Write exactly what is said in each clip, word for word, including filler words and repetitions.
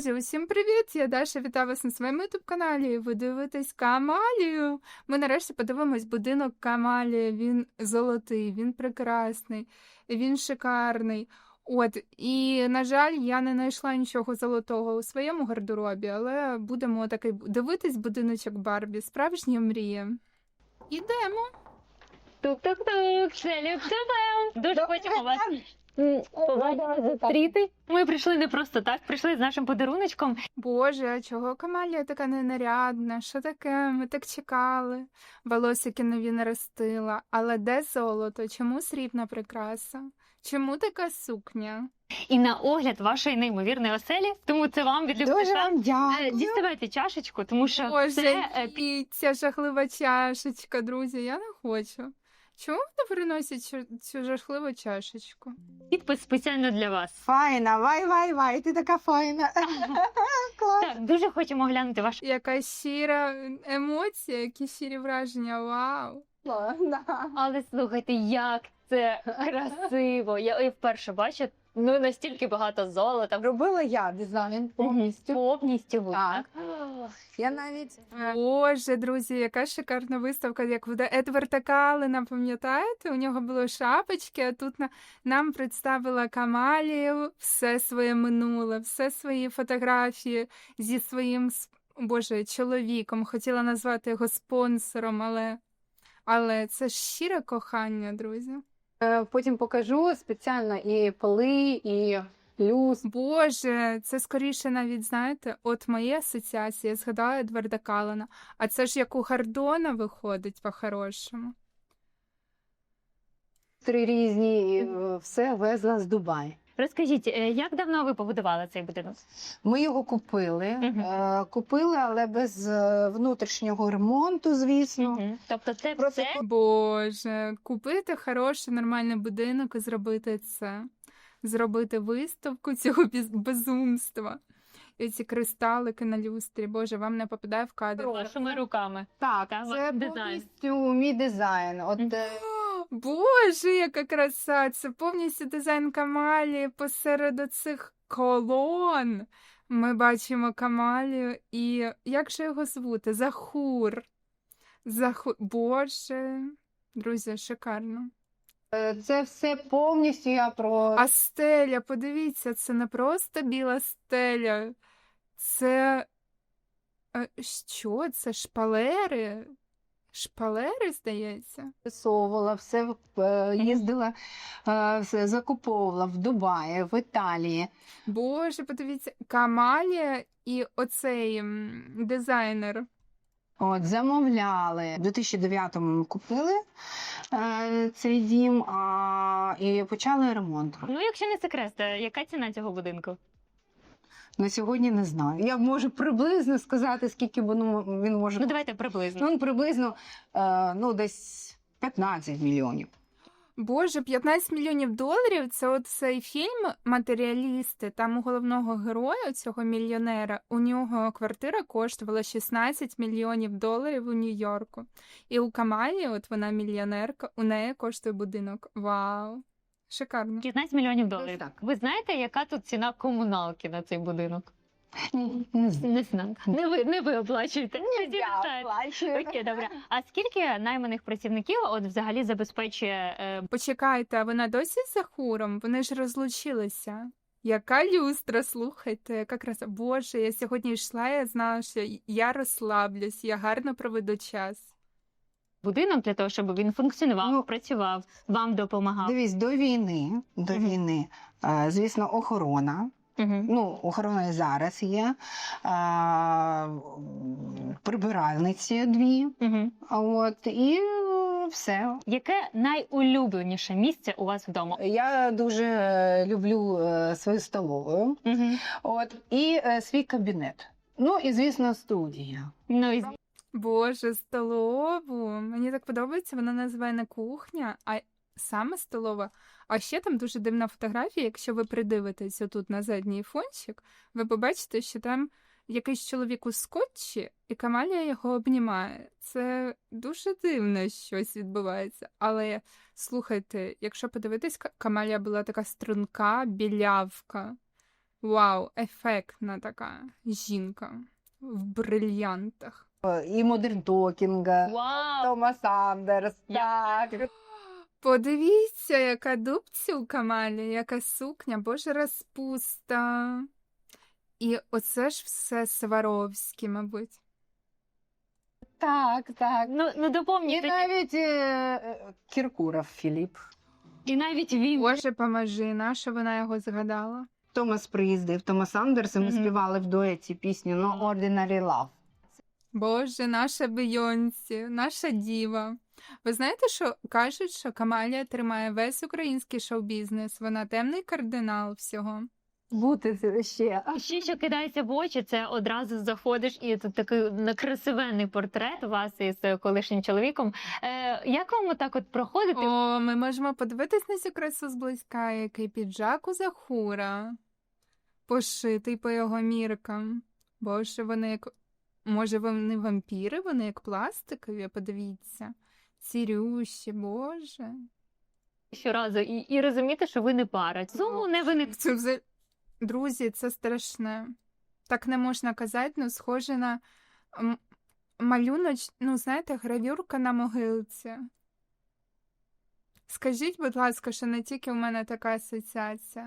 Друзі, усім привіт! Я Даша, вітаю вас на своєму ютуб-каналі. Ви дивитесь Камалію. Ми нарешті подивимось будинок Камалії. Він золотий, він прекрасний, він шикарний. От, і, на жаль, я не знайшла нічого золотого у своєму гардеробі, але будемо такий дивитись будиночок Барбі. Справжня мрія. Ідемо. Тук-тук-тук, шлюб тупем. Дуже хочемо вас м, побачити, зустріти. Ми прийшли не просто так, прийшли з нашим подаруночком. Боже, а чого Камалія така ненарядна? Що таке? Ми так чекали. Волосики нові наростила. Але де золото? Чому срібна прикраса? Чому така сукня? І на огляд вашої неймовірної оселі, тому це вам від Дуже Любкиша. вам Е, дякую. Діставайте чашечку, тому що Боже, це е, і ця жахлива чашечка, друзі, я не хочу. Чому вони приносять цю, цю жахливу чашечку? підпис спеціально для вас. Файна, вай, вай, вай, ти така файна. Клас. Так, дуже хочемо глянути ваш. Яка щира емоція, які щирі враження, вау! Да. Але слухайте, як це красиво. Я і вперше бачу, ну настільки багато золота. Робила я дизайн повністю. Повністю ви, Так. так? Я навіть е, Боже, друзі, яка шикарна виставка, як в Едварда Каллена, пам'ятаєте? У нього були шапочки, а тут на, нам представила Камалію все своє минуле, все свої фотографії зі своїм, с- Боже, чоловіком. Хотіла назвати його спонсором, але, але це ж щире кохання, друзі. е, потім покажу спеціально і поли, і люс. Боже, це скоріше навіть, знаєте, от мої асоціації, я згадала Едварда Каллена, а це ж як у Гордона виходить по-хорошому. Три різні, і е, все везла з Дубаю. Розкажіть, е, як давно ви побудували цей будинок? Ми його купили, Мгм. е, купили, але без е, внутрішнього ремонту, звісно. Мгм. Тобто це Просто все Боже, купити хороший нормальний будинок і зробити це. Зробити виставку цього біз- безумства. І ці кристалики на люстрі. Боже, вам не попадає в кадр. вашими руками. так, Та, це дизайн. повністю мій дизайн. От Мгм. е, О, Боже, яка краса! Це повністю дизайн Камалії посеред оцих колон. Ми бачимо Камалію і як же його звути? Захур. Захур. Боже. Друзі, шикарно. е, це все повністю я про А стеля, подивіться, це не просто біла стеля. Це е, що? Це шпалери? Шпалери, здається? Висовувала, все е, їздила, е, все закуповувала в Дубаї, в Італії. Боже, подивіться, Камалія і оцей м, дизайнер. От, замовляли. У дві тисячі дев'ятому ми купили е, цей дім а, і почали ремонт. Ну, якщо не секрет, то яка ціна цього будинку? На сьогодні не знаю. Я можу приблизно сказати, скільки воно він може. Ну, давайте приблизно. Ну, приблизно е, ну, десь п'ятнадцять мільйонів. Боже, п'ятнадцять мільйонів доларів – це от цей фільм «Матеріалісти». Там у головного героя, цього мільйонера, у нього квартира коштувала шістнадцять мільйонів доларів у Нью-Йорку. І у Камалі, от вона мільйонерка, у неї коштує будинок. Вау! Шикарно. п'ятнадцять мільйонів доларів. так. Ви знаєте, яка тут ціна комуналки на цей будинок? Ні, не знаю. Не знаю. Не ви, не ви оплачуєте. Не плачу. Окей, добре. А скільки найманих працівників от взагалі забезпечує е, Почекайте, а вона досі з Захуром? Вони ж розлучилися. Яка люстра, слухайте, яка краса. Боже, я сьогодні йшла, я знала, що я розслаблюсь, я гарно проведу час. будинок для того, щоб він функціонував, Ну, працював, вам допомагав? Дивись, до війни, до Мгм. війни, е, звісно, охорона. Угу. Ну, охорона і зараз є. А, прибиральниці дві. Угу. А От, і е, все. Яке найулюбленіше місце у вас вдома? Я дуже е, люблю е, свою столову. Угу. От, і е, свій кабінет. Ну, і, звісно, студія. Ну, і Боже, столову. Мені так подобається, вона називає не кухня, а саме столова. А ще там дуже дивна фотографія, якщо ви придивитесь отут на задній фончик, ви побачите, що там якийсь чоловік у скотчі, і Камалія його обнімає. Це дуже дивно щось відбувається. Але, слухайте, якщо подивитись, Ка- Камалія була така струнка, білявка. Вау, ефектна така жінка в брильянтах. І Модерн Токінга, Вау! Томас Андерс. Так. Подивіться, яка дубця у Камалі, яка сукня, боже, розпуста. І оце ж все Сваровський, мабуть. Так, так. Ну, ну І доповніть. тоді. навіть е, Кіркуров Філіп. І навіть він. Боже, поможи, наша вона його згадала. Томас приїздив, Томас Андерс, і ми Мгм. співали в дуеті пісню «No Ordinary Love». Боже, наша Бейонсі, наша діва. Ви знаєте, що кажуть, що Камалія тримає весь український шоу-бізнес. Вона темний кардинал всього. Бути ще. Ще, що кидається в очі, це одразу заходиш, і тут такий красивенний портрет вас із колишнім чоловіком. Е, як вам отак от проходити? О, ми можемо подивитись на цю красу зблизька, який піджак у Захура, пошитий по його міркам. Боже, вони як... Може, вони вампіри, вони як пластикові, подивіться. Цірющі, боже. Щоразу і, і розуміти, що ви не пара. Зуму не виник. Це взагалі... Друзі, це страшне. Так не можна казати, ну, схоже на м- малюноч, ну, знаєте, гравюрка на могилці. Скажіть, будь ласка, що не тільки в мене така асоціація.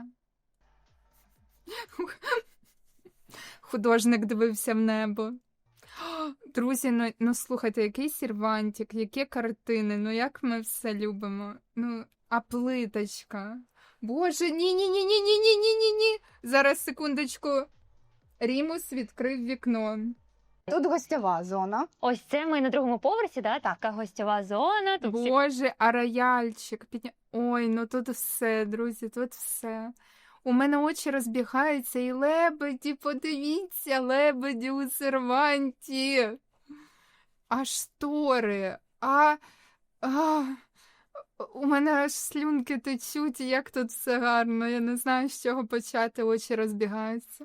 Художник дивився в небо. Друзі, ну, ну слухайте, який сервантик, які картини, ну як ми все любимо. Ну, а плиточка. Боже, ні-ні-ні-ні-ні-ні-ні-ні-ні. Зараз, секундочку. Рімус відкрив вікно. Тут гостьова зона. Ось це ми на другому поверсі, да? Така гостьова зона. Тут всі- Боже, а рояльчик. Підня... Ой, ну тут все, друзі, тут все. У мене очі розбігаються, і лебеді, подивіться, лебеді у серванті. А штори, а... а... У мене аж слюнки течуть, і як тут все гарно. Я не знаю, з чого почати, очі розбігаються.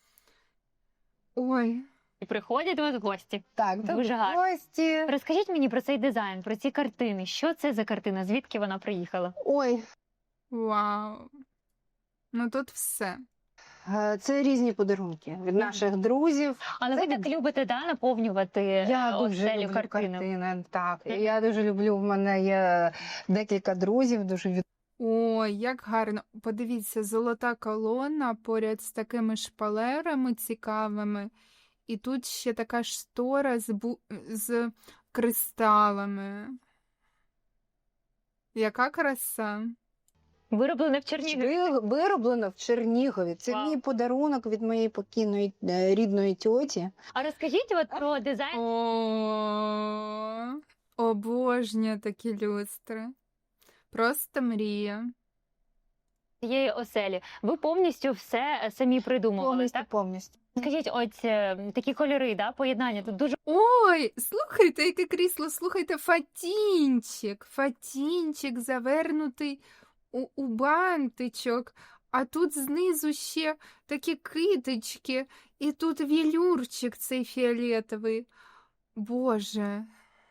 Ой. і приходять до вас гості. Так, Дуже тут гарно. гості. Розкажіть мені про цей дизайн, про ці картини. Що це за картина? Звідки вона приїхала? Ой, Вау. Ну тут все. е, це різні подарунки від наших друзів. Але ви Це так любите да, наповнювати Я е, дуже оселю люблю картинами? картини. Так, Мгм. я дуже люблю. В мене є декілька друзів, дуже від... Ой, як гарно. Подивіться, золота колона поряд з такими шпалерами цікавими. І тут ще така штора з, бу... з кристалами. Яка краса. Вироблене в Чернігові. Ви- вироблено в Чернігові. Це Вау. мій подарунок від моєї покійної е, рідної тьоті. А розкажіть от про дизайн О, обожнюю такі люстри. Просто мрія. цієї оселі. Ви повністю все е, самі придумували, Повністю, так? повністю. Скажіть, ось е, такі кольори, да, поєднання тут дуже Ой, слухайте, яке крісло, слухайте, фатінчик, фатінчик завернутий у, у бантичок, а тут знизу ще такі китички, і тут вілюрчик цей фіолетовий. Боже,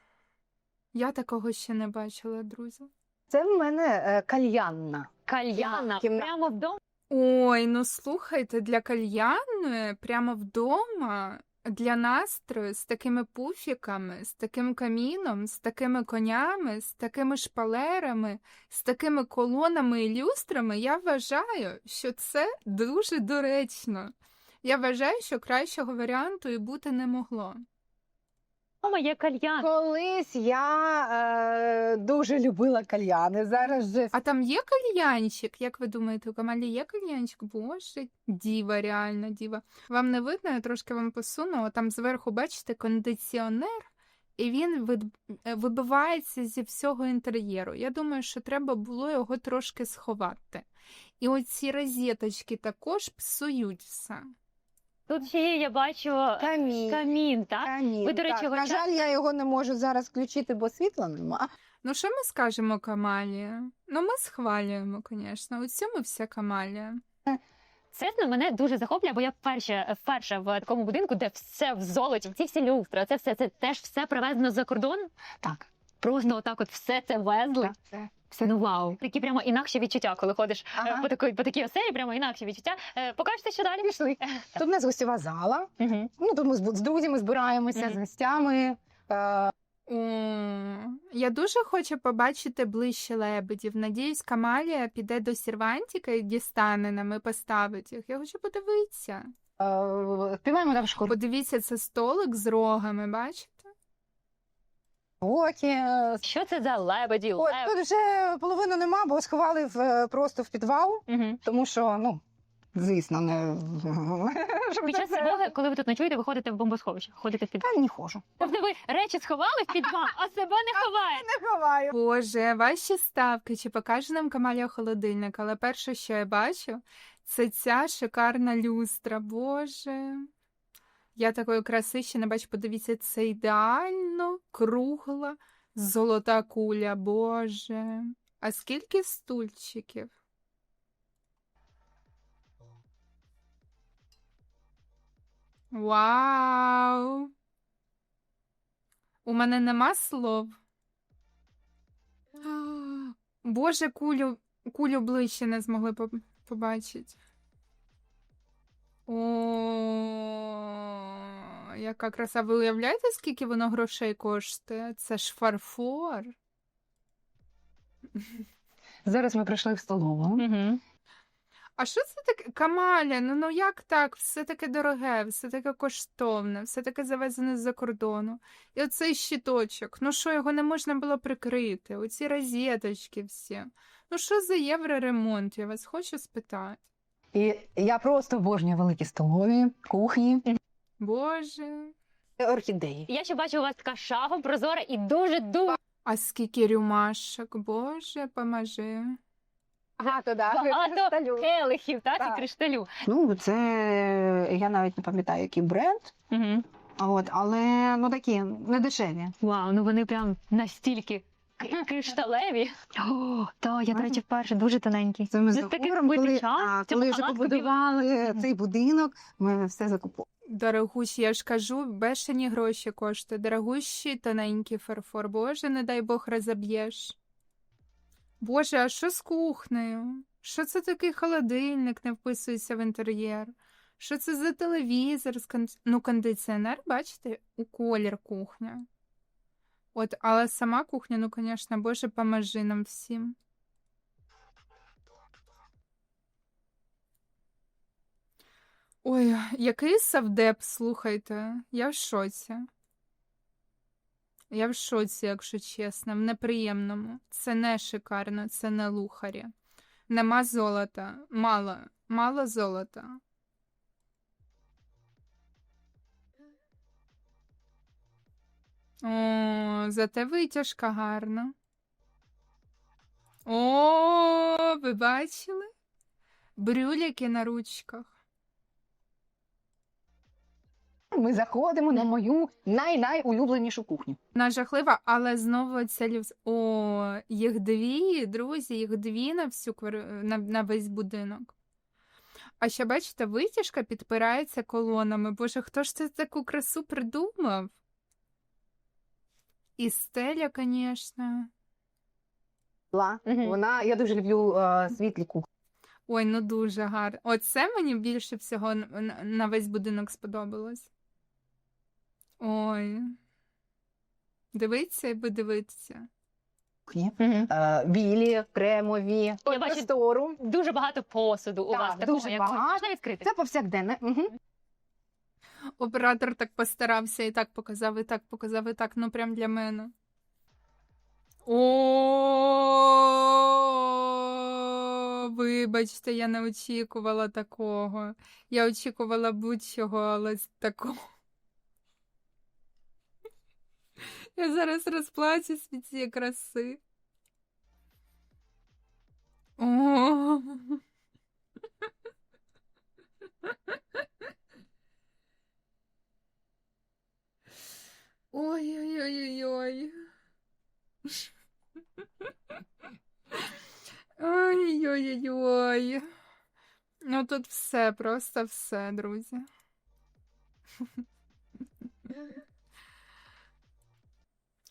я такого ще не бачила, друзі. Це в мене е, кальянна. кальяна. Кімна- Прямо вдома. Ой, ну слухайте, для кальянної прямо вдома, для настрою, з такими пуфіками, з таким каміном, з такими конями, з такими шпалерами, з такими колонами і люстрами, я вважаю, що це дуже доречно. Я вважаю, що кращого варіанту і бути не могло. Вдома є кальян. Колись я е, дуже любила кальяни. Зараз же А там є кальянчик? Як ви думаєте, у Камалі є кальянчик? Боже, діва, реально діва. Вам не видно, я трошки вам посуну. Там зверху, бачите, кондиціонер, і він вид- е, вибивається зі всього інтер'єру. Я думаю, що треба було його трошки сховати. І оці розеточки також псують все. Тут ще є, я бачу, камінь. камін, так? камін. Ви, до речі, так. його На часто- жаль, я його не можу зараз включити, бо світла нема. Ну, що ми скажемо Камалі? Ну, ми схвалюємо, звісно. У цьому вся Камалія. Чесно, мене дуже захоплює, бо я вперше, вперше в такому будинку, де все в золоті, ці всі люстри, це все, це теж все привезено за кордон. Так. Просто отак от все це везли. Це Ну вау. Такі прямо інакші відчуття, коли ходиш е, Ага. по такій, по такій оселі, прямо інакші відчуття. Е, Покажете, що далі? Пішли. Тут у нас гостєва зала. Угу. Ну, тут ми з з друзями збираємося, Мгм. з гостями. Е, О, я дуже хочу побачити ближче лебедів. Надіюсь, Камалія піде до сервантика і дістане нам і поставить їх. Я хочу подивитися. е, Співаємо там школи. Подивіться, це столик з рогами, бачите? Що це за лебеді? От, Леб... тут вже половину нема, бо сховали в, е, просто в підвал, Угу. тому що, ну, звісно, не... щоб Під це час все- тривоги, коли ви тут ночуєте, ви ходите в бомбосховище, ходите в підвал. Та не хожу. Тобто ви речі сховали в підвал, а себе не ховаєте. Не ховаю. Боже, ваші ставки, чи покаже нам Камалія холодильник, але перше, що я бачу, це ця шикарна люстра. Боже. Я такої краси ще не бачу. Подивіться, це ідеально кругла золота куля. Боже. А скільки стульчиків? Вау! У мене нема слов. Боже, кулю, кулю ближче не змогли поб- побачити. О, яка краса. Ви уявляєте, скільки воно грошей коштує? Це ж фарфор. Зараз ми прийшли в столову. Угу. А що це таке? Камаля, ну, ну як так? Все таке дороге, все таке коштовне, все таке завезене з-за кордону. І оцей щиточок, ну що, його не можна було прикрити? Оці розеточки всі. Ну що за євроремонт, я вас хочу спитати. І я просто обожнюю великі столові, кухні, Боже. орхідеї. Я ще бачу, у вас така шафа прозора і дуже-дуже А скільки рюмашок, Боже, поможи. Ага, то да. багато келихів, так, Так. і кришталю. Ну, це я навіть не пам'ятаю, який бренд. Угу. От, але ну такі не дешеві. Вау, ну вони прям настільки к- кришталеві. О, та, я, до речі, вперше дуже тоненький. Це ми з Ну, такий Егором, коли, величан, а, в цьому коли вже халатку побудували Мгм. цей будинок, ми все закупили. Дорогущі, я ж кажу, бешені гроші коштує. Дорогущий тоненький фарфор. Боже, не дай Бог розоб'єш. Боже, а що з кухнею? Що це такий холодильник не вписується в інтер'єр? Що це за телевізор? з кон- Ну, кондиціонер, бачите, у колір кухня. От, але сама кухня, ну, звісно, Боже, поможи нам всім. Ой, який савдеп, слухайте. Я в шоці. Я в шоці, якщо чесно, в неприємному. Це не шикарно, це не лухарі. Нема золота. Мало. Мало золота. О, зате витяжка гарна. О, ви бачили? Брюліки на ручках. Ми заходимо на мою най-найулюбленішу кухню. Вона жахлива, але знову ця люз... О, їх дві, друзі, їх дві на всю квар... на, на весь будинок. А ще, бачите, витяжка підпирається колонами. Боже, хто ж це таку красу придумав? І стеля, звісно. Ла. Мгм. Вона, я дуже люблю е, світлі кухні. Ой, ну дуже гарно. Оце мені більше всього на, на- на весь будинок сподобалось. Ой. Дивіться і подивитися. Угу. Е, білі, кремові, Я бачу- простору. Дуже багато посуду у Так, вас такого, дуже як багато. можна відкрити. Це повсякденне. Угу. Оператор так постарався і так показав, і так показав, і так, ну прям для мене. О, вибачте, я не очікувала такого. Я очікувала будь-чого, але з такого. Я зараз розплачусь від цієї краси. О. Ой-ой-ой-ой-ой. Ой-ой-ой-ой. Ну тут все, просто все, друзі.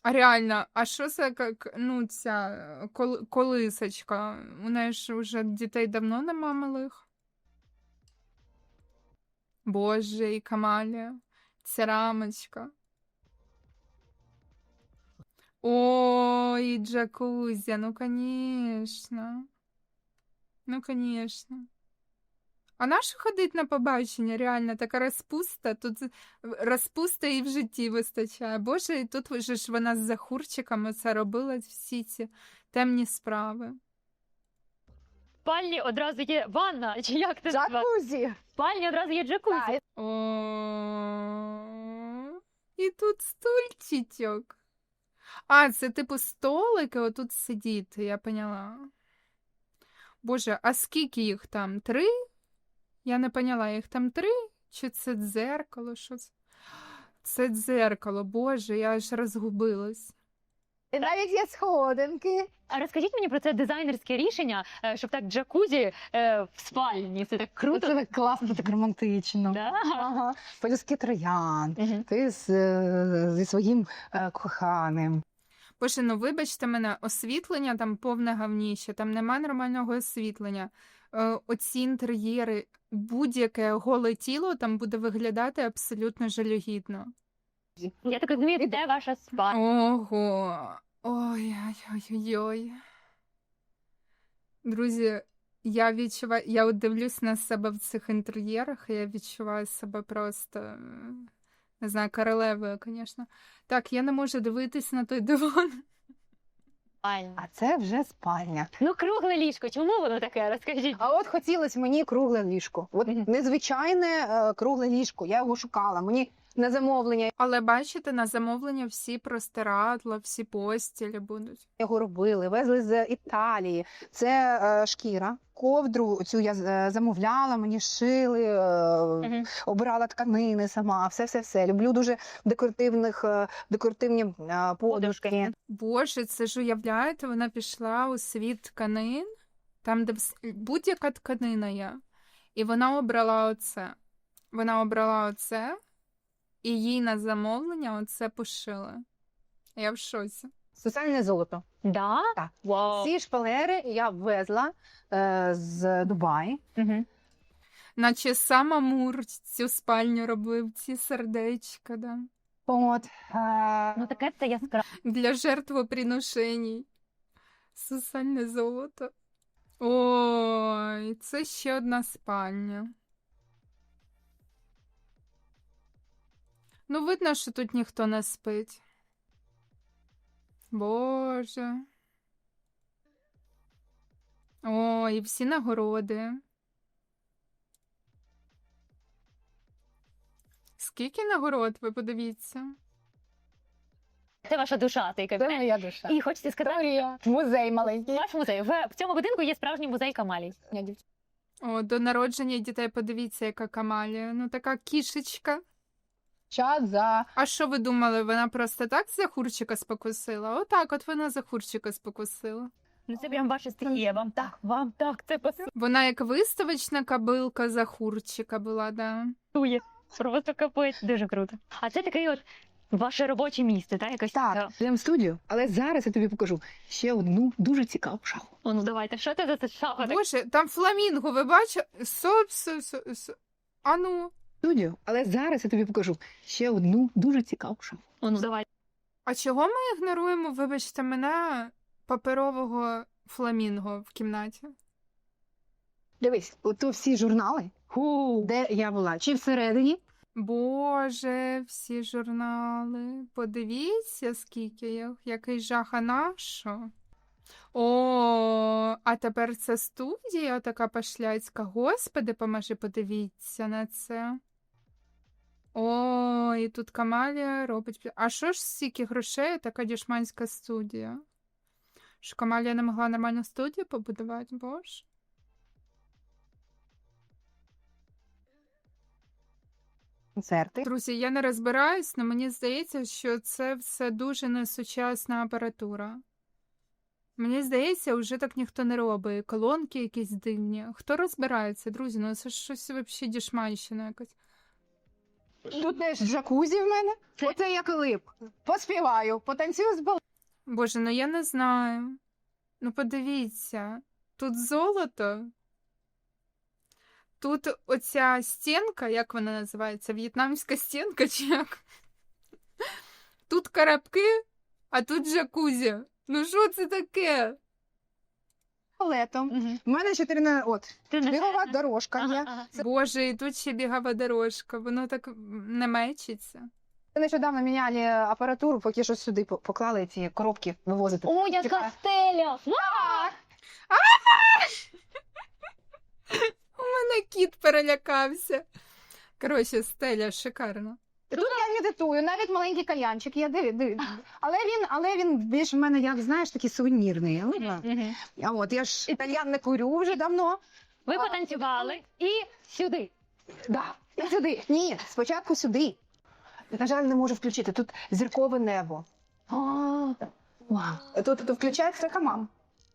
А реально, а що це як, ну, ця е, кол- колисочка? У неї ж вже дітей давно нема малих. Боже, і Камалія. Ця рамочка. Ой, джакузя, ну, конечно. Ну, конечно. А нащо ходить на побачення? Реально, така розпуста. Тут з- в- розпуста і в житті вистачає. Боже, і тут вже ж вона з захурчиками це робила всі ці темні справи. В спальні одразу є ванна, чи як це називається? Джакузі! В спальні одразу є джакузі. О, і тут стульчичок. А, це типу столики, отут сидіти, я поняла. Боже, а скільки їх там? Три? Я не поняла, їх там три? Чи це дзеркало? Що це? Це дзеркало, боже, я аж розгубилась. І навіть є сходинки. А розкажіть мені про це дизайнерське рішення, е, щоб так джакузі е, в спальні. Це так круто. Це так класно, так романтично. Да? Ага. Полюски троянд. Мгм. Ти з, е, зі своїм е, коханим. Боже, ну вибачте мене, освітлення там повне гавніще, там нема нормального освітлення. Е, оці інтер'єри, будь-яке голе тіло там буде виглядати абсолютно жалюгідно. Я так розумію, де ваша спальня? Ого. Ой-ой-ой-ой. Друзі, я відчуваю, я от дивлюсь на себе в цих інтер'єрах, і я відчуваю себе просто, е, не знаю, королевою, звісно. Так, я не можу дивитись на той диван. Спальня. А це вже спальня. Ну, кругле ліжко, чому воно таке? Розкажіть. А от хотілося мені кругле ліжко. От Мгм. незвичайне е, кругле ліжко. Я його шукала. Мені на замовлення Але бачите, на замовлення всі простирадла, всі постілі будуть. його робили, везли з Італії. Це е, шкіра. Ковдру цю я е, замовляла, мені шили, е, Мгм. обирала тканини сама, все-все-все. Люблю дуже декоративних, е, декоративні е, подушки. Подушки. Боже, це ж уявляєте, вона пішла у світ тканин, там, де вс- будь-яка тканина є. І вона обрала оце. Вона обрала оце, і їй на замовлення оце пошили. Я в шоці. Сусальне золото. Да? Так. Вау. Ці шпалери я ввезла е, з Дубаї. Мгм. Наче сам Амур цю спальню робив, ці сердечка, да. От, е, Ну, таке це яскраво. Для жертвоприношеній. Сусальне золото. Ой, це ще одна спальня. Ну, видно, що тут ніхто не спить. Боже. О, і всі нагороди. Скільки нагород, ви подивіться. Це ваша душа, цей це кабінет. моя душа. І хочете сказати, Музей маленький. ваш музей. В, в цьому будинку є справжній музей Камалій. О, до народження дітей подивіться, яка Камалія. Ну, така кішечка. Час за А що ви думали, вона просто так за хурчика спокусила? Отак, от вона за хурчика спокусила. Ну, це прям ваше стихія. Вам так, вам так, це Вона як виставочна кабилка за хурчика була, да. пасує. Просто капець. Дуже круто. А це такий от ваше робоче місце, так? Якось так, йдемо в студію. Але зараз я тобі покажу ще одну дуже цікаву шаху. О, ну давайте, що це за це шафа? така? Боже, там фламінго, ви бачите? Соп, соп, соп, соп. А ну. Студію, але зараз я тобі покажу ще одну дуже цікаву шаху. О, ну давайте. А чого ми ігноруємо, вибачте мене, паперового фламінго в кімнаті? Дивись, ото всі журнали, Ху. де я була, чи всередині, Боже, всі журнали. Подивіться, скільки їх. Який жах, а на що? О, а тепер це студія така пашляцька. Господи, поможи, подивіться на це. О, і тут Камалія робить. А що ж стільки грошей, така дішманська студія? Що Камалія не могла нормальну студію побудувати, боже? концерти. Друзі, я не розбираюсь, але мені здається, що це все дуже несучасна апаратура. Мені здається, вже так ніхто не робить. Колонки якісь дивні. Хто розбирається, друзі? Ну це ж щось взагалі дішманщина якась. Тут теж джакузі в мене. Це- Оце я клип. Поспіваю, потанцюю з бал. Боже, ну я не знаю. Ну подивіться, тут золото. Тут оця стінка, як вона називається? В'єтнамська стінка чи як? Тут карабки, а тут джакузі. Ну що це таке? Летом. Мгм. У мене чотири от. Ти не- Бігова дорожка Ага, є. ага. Боже, і тут ще бігава дорожка, воно так не мечиться. Нещодавно міняли апаратуру, поки що сюди по- поклали ці коробки вивозити. О, яка Чекай. стеля! У мене кіт перелякався. Коротше, стеля шикарна. Тут я медитую, навіть маленький кальянчик є, диви, диви. Але він, але він більш в мене, як знаєш, такий сувенірний. Видно? Мгм. А от я ж кальян не курю вже давно. Ви потанцювали і сюди. Да. І сюди. Ні, спочатку сюди. На жаль, не можу включити. Тут зіркове небо. А, Вау. Тут, тут включається хамам.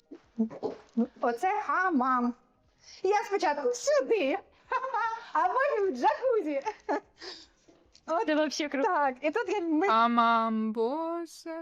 Оце хамам. Я спочатку сюди, а потім в джакузі. Це взагалі круто. Так, і тут я ме- А мам, боже.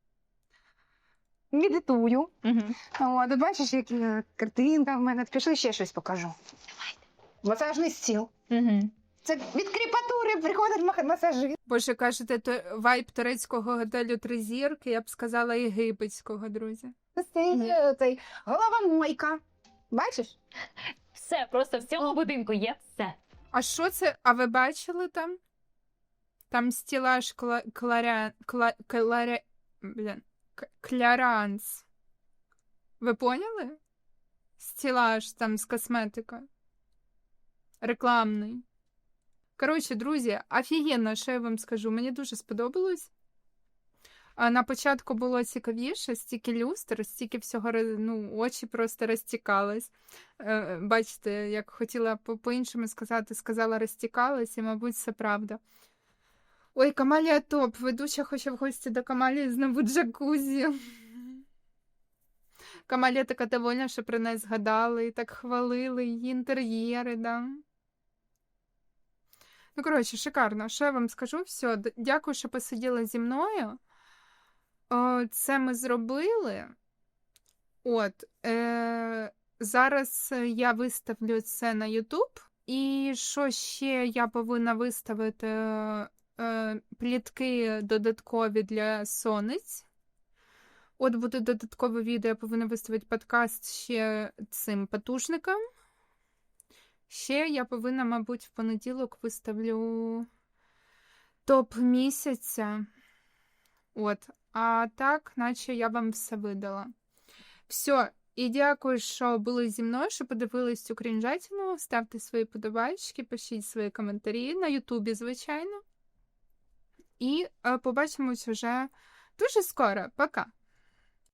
медитую. Мгм. О, тут бачиш, які е, картинка в мене. Пішли ще щось покажу. Масажний стіл. Мгм. Це від кріпатури приходить мах- масажист. Боже, кажете, то вайб турецького готелю три зірки, я б сказала єгипетського, друзі. Цей, е, цей головомойка. Бачиш? Все, просто в цьому будинку є все. А що це? А ви бачили там? Там стілаж кла... кларя... Кла... Кларя... Блін. К- Кляранс. Ви поняли? Стілаж там з косметикою. Рекламний. Коротше, друзі, офігенно, що я вам скажу. Мені дуже сподобалось. А на початку було цікавіше, стільки люстр, стільки всього, роз- ну, очі просто розтікались. Е, Бачите, як хотіла по- по-іншому сказати, сказала розтікалась, і, мабуть, це правда. Ой, Камалія топ. Ведуча хоче в гості до Камалії знову джакузі. Камалія така довольна, що про неї згадали, і так хвалили її інтер'єри, да. Ну, коротше, шикарно. Що я вам скажу? Все, д- дякую, що посиділи зі мною. О, це ми зробили. От. Е- зараз я виставлю це на YouTube. І що ще я повинна виставити? Е- плітки додаткові для сонець. От буде додаткове відео, я повинна виставити подкаст ще цим потужникам. Ще я повинна, мабуть, в понеділок виставлю топ місяця. От. А так, наче я вам все видала. Все. І дякую, що були зі мною, що подивились цю крінжатину. Ставте свої подобайки, пишіть свої коментарі на Ютубі, звичайно. І е, побачимось вже дуже скоро. Пока!